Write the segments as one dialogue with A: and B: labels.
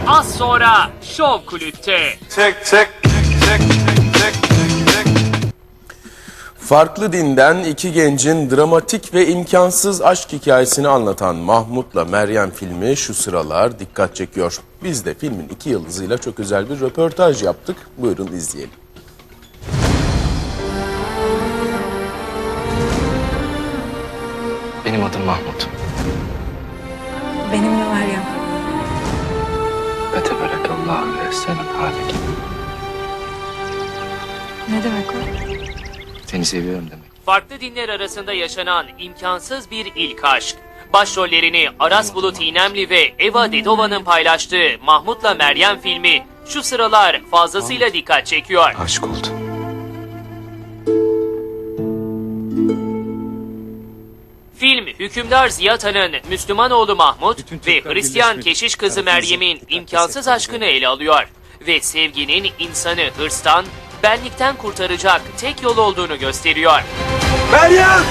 A: az sonra Şov Kulüp'te.
B: Farklı dinden iki gencin dramatik ve imkansız aşk hikayesini anlatan Mahmut'la Meryem filmi şu sıralar dikkat çekiyor. Biz de filmin 2 yıldızıyla çok özel bir röportaj yaptık. Buyurun izleyelim.
C: Benim adım Mahmut.
D: Benim de Meryem.
C: Ve teberekallahu ve selam halik.
D: Ne demek o?
C: Seni seviyorum demek.
A: Farklı dinler arasında yaşanan imkansız bir ilk aşk. Başrollerini Aras Bulut İynemli ve Eva Dedova'nın paylaştığı Mahmut'la Meryem filmi şu sıralar fazlasıyla dikkat çekiyor.
C: Aşık oldum.
A: Film, hükümdar Ziyata'nın Müslüman oğlu Mahmut ve Hristiyan keşiş kızı Meryem'in imkansız aşkını ele alıyor. Ve sevginin insanı hırstan, benlikten kurtaracak tek yol olduğunu gösteriyor.
C: Meryem!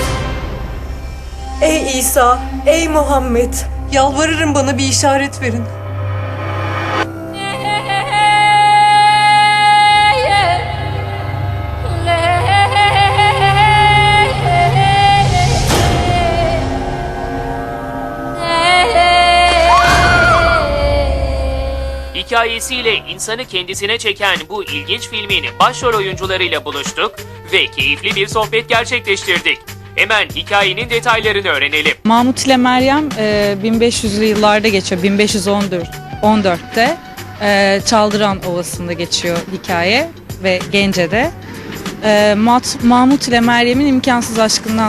D: Ey İsa, ey Muhammed. Yalvarırım bana bir işaret verin.
A: Hikayesiyle insanı kendisine çeken bu ilginç filmin başrol oyuncularıyla buluştuk ve keyifli bir sohbet gerçekleştirdik. Hemen hikayenin detaylarını öğrenelim.
E: Mahmut ile Meryem 1500'lü yıllarda geçiyor. 1514'te Çaldıran Ovası'nda geçiyor hikaye ve Gence'de. Mahmut ile Meryem'in imkansız aşkından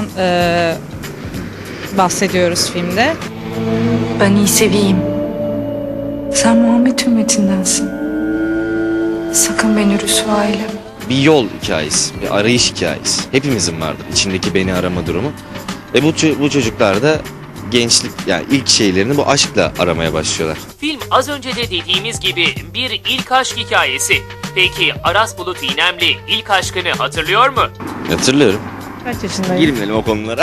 E: bahsediyoruz filmde.
D: Ben İsevi'yim. Sen Muhammed ümmetindensin. Sakın beni rüsva eyleme.
C: Bir yol hikayesi, bir arayış hikayesi. Hepimizin vardır içindeki beni arama durumu. Bu çocuklar da gençlik, yani ilk şeylerini bu aşkla aramaya başlıyorlar.
A: Film az önce de dediğimiz gibi bir ilk aşk hikayesi. Peki Aras Bulut İynemli ilk aşkını hatırlıyor mu?
C: Hatırlıyorum.
E: Kaç yaşındaydın?
C: Girmeyelim o konulara.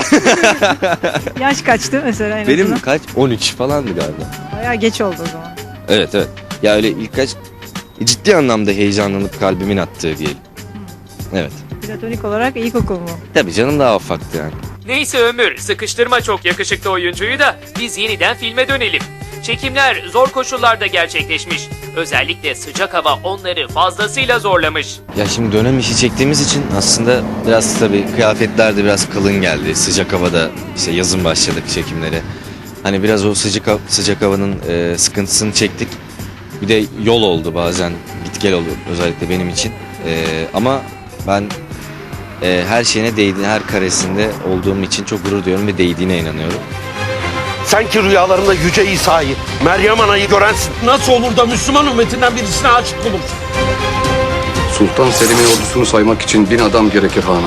E: Yaş kaçtı mesela en
C: Benim
E: azından?
C: kaç? 13 falandı galiba.
E: Bayağı geç oldu o zaman.
C: Evet. Ya öyle ilk kaç ciddi anlamda heyecanlanıp kalbimin attığı diyelim. Evet.
E: Platonik olarak ilkokul mu?
C: Tabii canım daha ufaktı yani.
A: Neyse Ömür, sıkıştırma çok yakışıklı oyuncuyu da biz yeniden filme dönelim. Çekimler zor koşullarda gerçekleşmiş. Özellikle sıcak hava onları fazlasıyla zorlamış.
C: Ya şimdi dönem işi çektiğimiz için aslında biraz tabii kıyafetler de biraz kalın geldi. Sıcak havada işte yazın başladık çekimlere. Hani biraz o sıcak havanın sıkıntısını çektik. Bir de yol oldu bazen, git gel oldu özellikle benim için. Ama ben her şeyine değdiğini, her karesinde olduğum için çok gurur duyuyorum ve değdiğine inanıyorum.
F: Sen ki rüyalarında Yüce İsa'yı, Meryem Ana'yı görensin. Nasıl olur da Müslüman ümmetinden birisine aşık olursun?
G: Sultan Selim'in ordusunu saymak için 1000 adam gerekir hanım.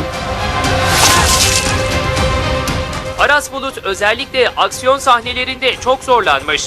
A: Aras Bulut özellikle aksiyon sahnelerinde çok zorlanmış.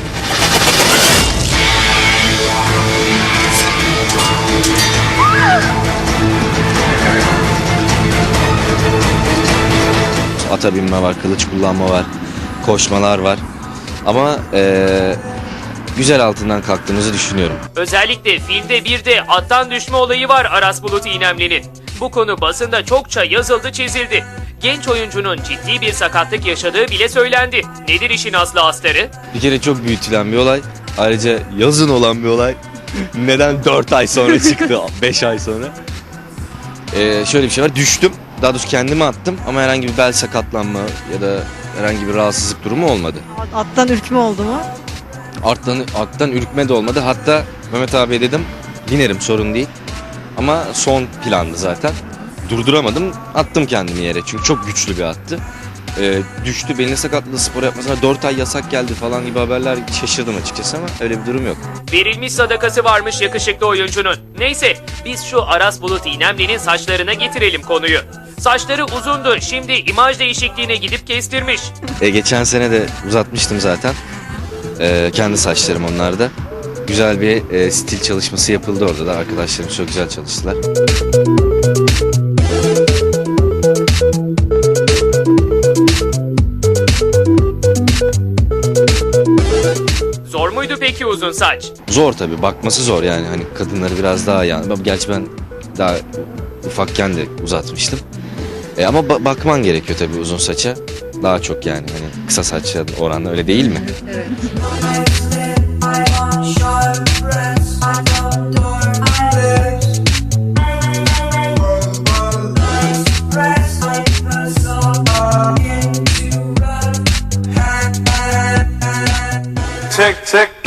C: Ata binme var, kılıç kullanma var, koşmalar var. Ama güzel altından kalktığımızı düşünüyorum.
A: Özellikle filmde bir de attan düşme olayı var Aras Bulut İynemli'nin. Bu konu basında çokça yazıldı çizildi. Genç oyuncunun ciddi bir sakatlık yaşadığı bile söylendi. Nedir işin aslı astarı?
C: Bir kere çok büyütülen bir olay. Ayrıca yazın olan bir olay. Neden 4 ay sonra çıktı, 5 ay sonra? Şöyle bir şey var, düştüm. Daha doğrusu kendimi attım ama herhangi bir bel sakatlanma ya da herhangi bir rahatsızlık durumu olmadı.
E: Attan ürkme oldu mu?
C: Attan ürkme de olmadı. Hatta Mehmet abiye dedim, binerim sorun değil. Ama son plandı zaten. Durduramadım, attım kendimi yere çünkü çok güçlü bir attı. Düştü, belini sakatladı, spor yapmasına 4 ay yasak geldi falan gibi haberler, şaşırdım açıkçası ama öyle bir durum yok.
A: Verilmiş sadakası varmış yakışıklı oyuncunun. Neyse biz şu Aras Bulut İynemli'nin saçlarına getirelim konuyu. Saçları uzundu, şimdi imaj değişikliğine gidip kestirmiş.
C: Geçen sene de uzatmıştım zaten. Kendi saçlarım onlarda. Güzel bir stil çalışması yapıldı orada da. Arkadaşlarım çok güzel çalıştılar.
A: Zor muydu peki uzun saç?
C: Zor tabii, bakması zor yani, hani kadınları biraz daha yani. Gerçi ben daha ufakken de uzatmıştım. Ama bakman gerekiyor tabii uzun saça. Daha çok yani, hani kısa saça oranla öyle değil mi?
D: Evet.
H: Check, check.